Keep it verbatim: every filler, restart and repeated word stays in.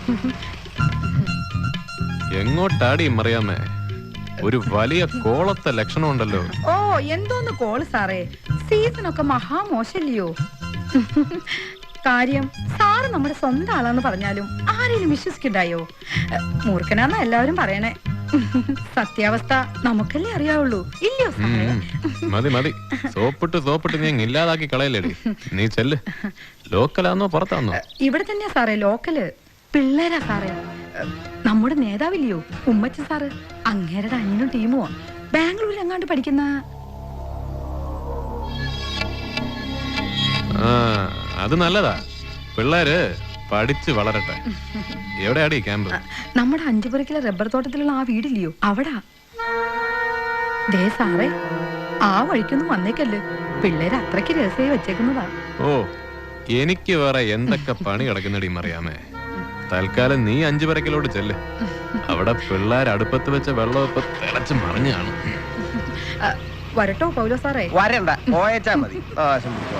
എങ്ങോട്ടാടി മറിയാമേ? ഒരു വലിയ കോളത്തെ ലക്ഷണം ഉണ്ടല്ലോ. ഓ എന്തോന്ന് കോള് സാറേ, സീസണൊക്കെ മഹാമോശല്ലയോ? കാര്യം സാറ് നമ്മുടെ സ്വന്തം ആളാന്ന് പറഞ്ഞാലും ആരെയും വിശ്വസിക്കണ്ടായോ? മൂർഖനാന്ന എല്ലാവരും പറയണേ. സത്യാവസ്ഥ നമുക്കല്ലേ അറിയാവുള്ളൂ, ഇല്ലയോ സാറേ? മതി മതി, സോപ്പിട്ട് സോപ്പിട്ട് നീ ഇല്ലാതാക്കി കളയല്ലേടി. നീ ചെല്ല്. ലോക്കലാന്നോ പുറത്താന്നോ? ഇവിടെ തന്നെയാ സാറേ ലോക്കല്. പിള്ളേരാ സാറേ. നമ്മുടെ നേതാവില്ലയോ ഉമ്മച്ച സാറ്, അങ്ങേരുടെ അനിയനും ടീമോ ബാംഗ്ലൂരിൽ എങ്ങാണ്ട് പഠിക്കുന്ന. ആ അത് നല്ലതാ, പിള്ളേര് പഠിച്ച് വളരട്ടെ. എവിടെയാടി ക്യാമ്പ്? നമ്മുടെ അഞ്ചുപുരക്കിലെ റബ്ബർ തോട്ടത്തിലുള്ള ആ വീടില്ലയോ, അവിടാ. ദേ സാറേ, ആ വഴിക്കൊന്നും വന്നേക്കല്ലേ, പിള്ളേര് അത്രയ്ക്ക് രഹസ്യമായി വെച്ചേക്കുന്നതാ. ഓ, എനിക്ക് വേറെ എന്തൊക്കെ പണി കിടക്കുന്നടി മറിയാമേ. തൽക്കാലം നീ അഞ്ചുപുരക്കിലോട്ട് ചെല്ല്. അവിടെ പിള്ളേർ അടുപ്പത്ത് വെച്ച വെള്ളം ഇപ്പൊ തിളച്ച് മറിഞ്ഞാണ്. വരട്ടോ പൗലോ സാറേ? വരണ്ട, പോയച്ചാ മതി.